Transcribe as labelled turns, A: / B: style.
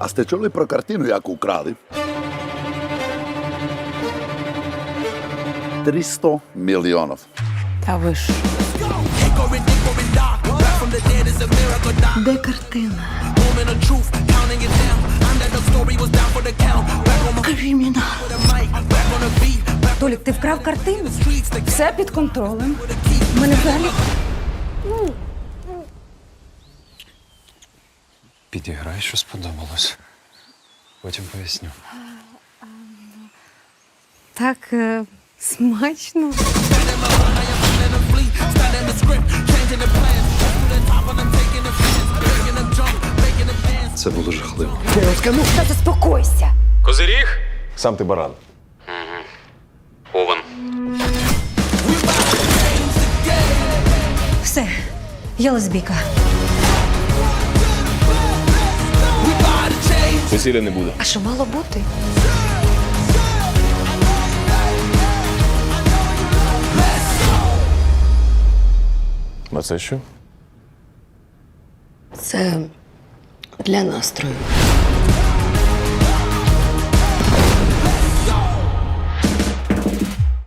A: А сте чули про картину, яку украли? 300 мільйонів.
B: Та ви ж.
C: Де картина? Кримінал.
B: Толік, ти вкрав картину? Все під контролем. У мене взагалі.
D: Підіграй, що сподобалось. Потім поясню.
B: Так смачно.
D: Це було жахливо.
B: Та заспокойся.
E: Козиріг?
F: Сам ти баран.
E: Овен.
B: Все, я лесбійка.
F: Весілля не буде.
B: А що мало бути?
F: А це що?
C: Це для настрою.